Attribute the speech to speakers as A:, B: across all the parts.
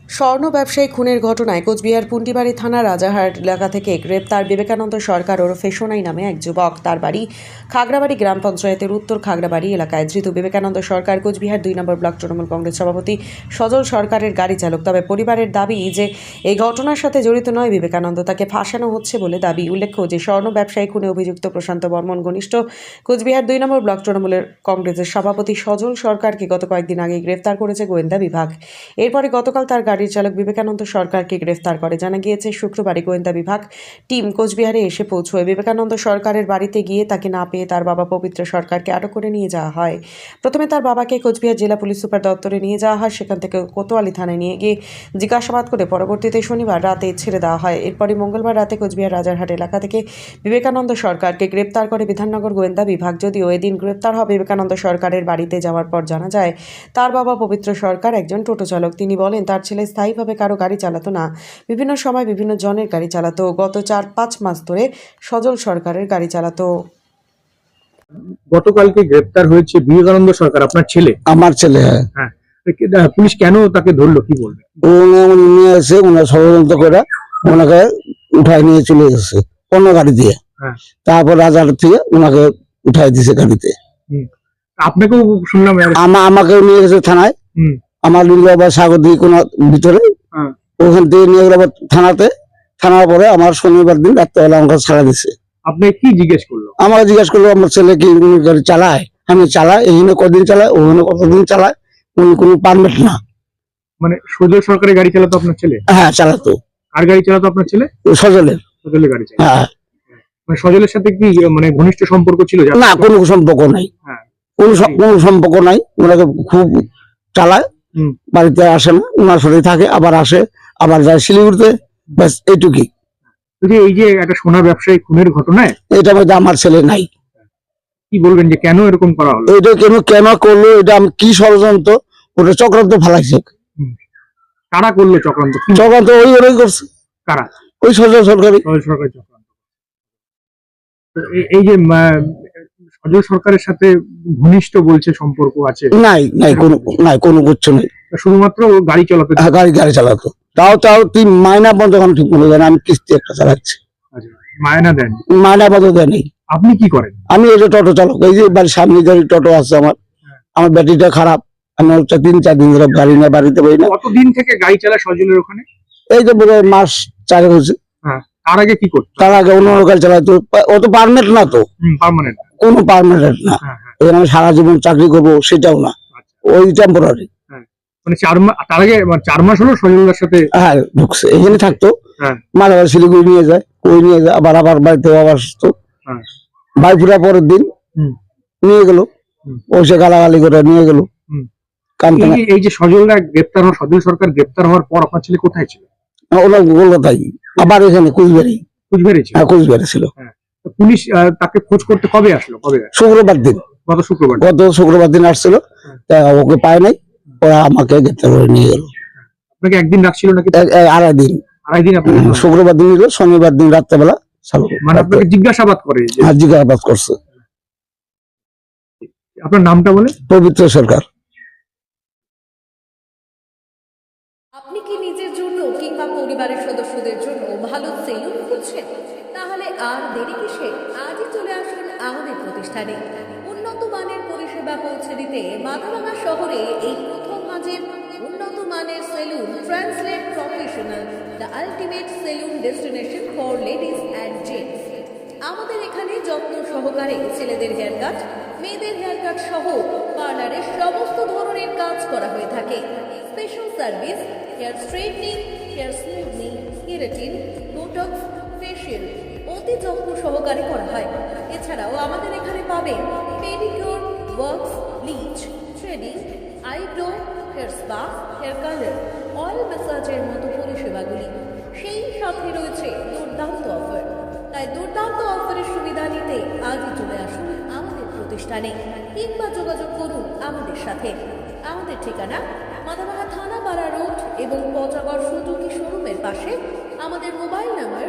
A: স্বর্ণ ব্যবসায়ী খুনের ঘটনায় কোচবিহার পুন্টিবাড়ি থানা রাজারহাট এলাকা থেকে গ্রেপ্তার বিবেকানন্দ সরকার ওরফে সোনাই নামে এক যুবক। তার বাড়ি খাগড়াবাড়ি গ্রাম পঞ্চায়েতের উত্তর খাগড়াবাড়ি এলাকায়। ধৃত বিবেকানন্দ সরকার কোচবিহার 2 নম্বর ব্লক তৃণমূল কংগ্রেস সভাপতি সজল সরকারের গাড়ি চালক। তবে পরিবারের দাবি যে এই ঘটনার সাথে জড়িত নয় বিবেকানন্দ, তাকে ফাঁসানো হচ্ছে বলে দাবি। উল্লেখ্য যে স্বর্ণ ব্যবসায়ী খুনে অভিযুক্ত প্রশান্ত বর্মন ঘনিষ্ঠ কোচবিহার 2 নম্বর ব্লক তৃণমূলের কংগ্রেসের সভাপতি সজল সরকারকে গত কয়েকদিন আগে গ্রেফতার করেছে গোয়েন্দা বিভাগ। এরপরে গতকাল তার গাড়ির চালক বিবেকানন্দ সরকারকে গ্রেফতার করে। জানা গিয়েছে শুক্রবারই গোয়েন্দা বিভাগ টিম কোচবিহারে এসে পৌঁছয়। বিবেকানন্দ সরকারের বাড়িতে গিয়ে তাকে না পেয়ে তার বাবা পবিত্র সরকারকে আটক করে নিয়ে যাওয়া হয়। প্রথমে তার বাবাকে কোচবিহার জেলা পুলিশ সুপার দপ্তরে নিয়ে যাওয়া হয়। সেখান থেকে কোতোয়ালি থানায় নিয়ে গিয়ে জিজ্ঞাসাবাদ করে পরবর্তীতে শনিবার রাতে ছেড়ে দেওয়া হয়। এরপরই মঙ্গলবার রাতে কোচবিহার রাজারহাট এলাকা থেকে বিবেকানন্দ সরকারকে গ্রেপ্তার করে বিধাননগর গোয়েন্দা বিভাগ। যদিও এদিন গ্রেপ্তার হওয়া বিবেকানন্দ সরকারের বাড়িতে যাওয়ার পর জানা যায় তার বাবা পবিত্র সরকার একজন টোটো চালক। তিনি বলেন তার ছেলে স্থায়ীভাবে কারো গাড়ি চালাতো না, বিভিন্ন সময় বিভিন্ন জনের গাড়ি চালাতো। গত 4-5 মাস ধরে সজল সরকারের গাড়ি চালাতো।
B: গতকালকে গ্রেপ্তার হয়েছে বিবেকানন্দ সরকার, আপনার ছেলে?
C: আমার ছেলে। হ্যাঁ,
B: হ্যাঁ, পুলিশ কেন তাকে ধরলো, কি বলবে?
C: উনি নিয়ে এসে ওনার ষড়যন্ত্র করে ওনাকে উঠায় নিয়ে চলে গেছে অন্য গাড়ি দিয়ে।
B: হ্যাঁ।
C: তারপর রাজার থেকে ওনাকে উঠাই দিছে গাড়িতে।
B: আপনাকেও শুনলাম
C: আমাকেও নিয়ে গেছে থানায়। আমার লিঙ্গাবাদ সাগরদী কোন ভিতরে, ওখান থেকে নিয়ে গেল থানাতে। থানার পরে আমার শনিবার দিন রাত্রেবেলা আমাকে ছাড়া দিছে।
B: আপনি কি জিজ্ঞেস করলো?
C: আমাকে জিজ্ঞেস করলো আমার ছেলে কি গাড়ি চালায়। আমি চালাই, এখানে কদিন চালায়, ওখানে কতদিন চালায়, উনি কোনো পারমিট না।
B: মানে সজল সরকারের গাড়ি চালাতো আপনার ছেলে?
C: হ্যাঁ, চালাতো।
B: আর গাড়ি চালাতো আপনার ছেলে?
C: সজলের।
B: সজলের গাড়ি চালাতো।
C: হ্যাঁ।
B: মানে সজলের সাথে কি মানে ঘনিষ্ঠ সম্পর্ক ছিল?
C: না, কোনো সম্পর্ক নাই।
B: হ্যাঁ,
C: কোনো সম্পর্ক নাই। ওনাকে খুব চালায়, বাড়িতে আসে না, ওনার সাথে থাকে, আবার আসে, আবার যায় শিলিগুড়িতে, ব্যাস এইটুকুই।
B: এই যে একটা সোনা ব্যবসায়ী খুনের ঘটনায়
C: এটা মধ্যে আমার ছেলে নাই।
B: কি বলবেন যে কেন এরকম করা হলো?
C: এটা কেন করলো, এটা আমি কি ষড়যন্ত্র, ওটা চক্রান্ত ফেলাইছে।
B: কারা করলো চক্রান্ত?
C: চক্রান্ত ওই করছে।
B: কারা?
C: ওই সজল সরকারি।
B: সজল সরকারি চক্রান্ত। এই যে সজল সরকারের সাথে ঘনিষ্ঠ বলছে সম্পর্ক আছে?
C: নাই, কোনো কিছু নেই।
B: শুধুমাত্র গাড়ি চালাতো?
C: গাড়ি চালাতো। তাও 3 মাইনা পর্যন্ত এখন ঠিক মনে জানে আমি কিস্তি একটা চালাচ্ছি।
B: মায়না দেন?
C: মাইনা পর্যন্ত দেয় নেই।
B: আপনি কি করেন?
C: আমি এই যে টোটো চালক, এই যে বাড়ির সামনে গাড়ি টোটো আছে আমার ব্যাটারিটা খারাপ। আমি 3-4 দিন ধরে গাড়ি নিয়ে বাড়িতে পারি না।
B: কতদিন থেকে গাড়ি চালা সজলের ওখানে?
C: এই যে বোধ হয় মাস 4 হয়েছে।
B: তার আগে কি করতো?
C: তার আগে অন্য গাড়ি চালাতো। ও তো পারমানেন্ট না, তো
B: পার্মানেন্ট?
C: কোনো পারমানেন্ট না। এখানে আমি সারা জীবন চাকরি করবো সেটাও না, ওই টেম্পোরারি।
B: মানে 4 মাস? তার আগে 4 মাস হলো সজলের সাথে?
C: হ্যাঁ, ঢুকছে, এখানে থাকতো। মাঝে মাঝে শিলিগুড়ি নিয়ে যায়, কই নিয়ে যায়, আবার বাড়িতে আবার আসতো। বাইপুরা পরের দিন নিয়ে গেল, ওসে গালাগালি করে নিয়ে গেল।
B: এই যে সজল সরকার গ্রেপ্তার হওয়ার পর আপনার ছেলে কোথায় ছিল?
C: ওরা কলকাতায়, আবার এখানে কুচবিহারি। কুচবিহারি ছিল।
B: পুলিশ তাকে খোঁজ করতে কবে আসলো?
C: শুক্রবার দিন। গত শুক্রবার দিন আসছিল, ওকে পায় নাই, ওরা আমাকে গ্রেপ্তার করে নিয়ে গেল।
B: আপনাকে একদিন রাখছিল নাকি?
C: 2.5 দিন। শুক্রবার দিন নিল, শনিবার দিন রাত্রেবেলা
B: মানে আপনাকে জিজ্ঞাসাবাদ করে?
C: জিজ্ঞাসাবাদ করছে।
B: আপনার নামটা বলে?
C: পবিত্র সরকার।
D: আপনি কি নিজের জন্য কিংবা পরিবারের সদস্যদের জন্য ভালো সেলুন খুঁজছেন? তাহলে আর দেরি কিসে? আজই চলে আসুন আমাদের প্রতিষ্ঠানে। উন্নত মানের পরিষেবা পৌঁছে দিতে মাথাভাঙা শহরে এই প্রথম মাঝের উন্নত মানের salon translate professional, the ultimate salon destination for ladies and gents. আমাদের এখানে যত্ন সহকারে ছেলেদের হেয়ার কাট, মেয়েদের হেয়ার কাট সহ পার্লারের সমস্ত ধরনের কাজ করা হয়ে থাকে। Special service hair straightening, hair smoothing, keratin, botox, facial অতি যত্ন সহকারে করা হয়। এছাড়াও আমাদের এখানে পাবেন pedicure, wax, bleach, threading, eyebrow, hair spa, hair colour, oil ম্যাসাজের মতো পরিষেবাগুলি। সেই সাথে রয়েছে দুর্দান্ত অফার। তাই দুর্দান্ত অফারের সুবিধা নিতে আজই চলে আসুন আমাদের প্রতিষ্ঠানে কিংবা যোগাযোগ করুন আমাদের সাথে। আমাদের ঠিকানা মাথাভাঙা থানাপাড়া রোড এবং পচাগড় সুজুকি শোরুমের পাশে। আমাদের মোবাইল নাম্বার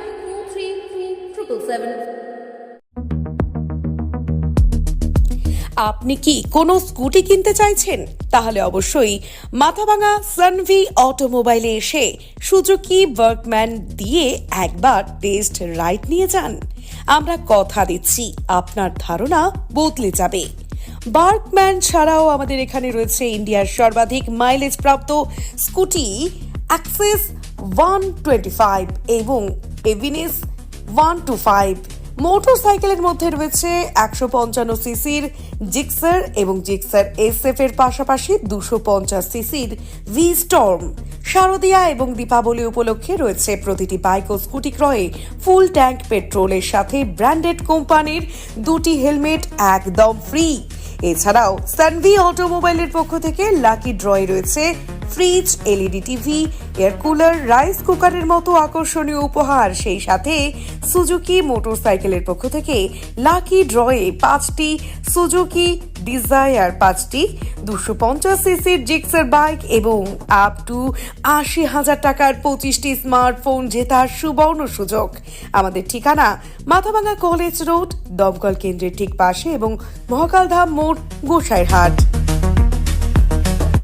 D: 9932233777।
A: আপনি কি কোনো স্কুটি কিনতে চাইছেন? তাহলে অবশ্যই মাথাভাঙা সানভি অটোমোবাইলে এসে সুজুকি ওয়ার্কম্যান দিয়ে একবার টেস্ট রাইড নিয়ে যান। আমরা কথা দিচ্ছি আপনার ধারণা বদলে যাবে। ওয়ার্কম্যান ছাড়াও আমাদের এখানে রয়েছে ইন্ডিয়ার সর্বাধিক মাইলেজ প্রাপ্ত স্কুটি অ্যাক্সেস 125 এবং এভিনিস 125। মোটরসাইকেলের মধ্যে রয়েছে 155 সিসির জিক্সার এবং জিক্সার SF এর পাশাপাশি 250 সিসির ভি স্টর্ম। শারদিয়া এবং দীপাবলি উপলক্ষে রয়েছে প্রতিটি বাইক ও স্কুটি ক্রয়ে ফুল ট্যাঙ্ক পেট্রোলের সাথে ব্র্যান্ডেড কোম্পানির 2টি হেলমেট একদম ফ্রি। এছাড়াও সানভি অটোমোবাইলের পক্ষ থেকে লাকি ড্রয়ে রয়েছে fridge, LED TV, air cooler, rice কুকারের মতো আকর্ষণীয় উপহার। সেই সাথে সুজুকি মোটরসাইকেলের পক্ষ থেকে লাকি ড্রয়ে 5টি সুজুকি ডিজায়ার, 5টি 250 সিসির জিক্সার বাইক এবং আপ টু 80,000 টাকার 25টি স্মার্টফোন জেতার সুবর্ণ সুযোগ। আমাদের ঠিকানা মাথাভাঙা কলেজ রোড, দমকল কেন্দ্রের ঠিক পাশে এবং মহাকালধাম মোড়, গোসাইরহাট।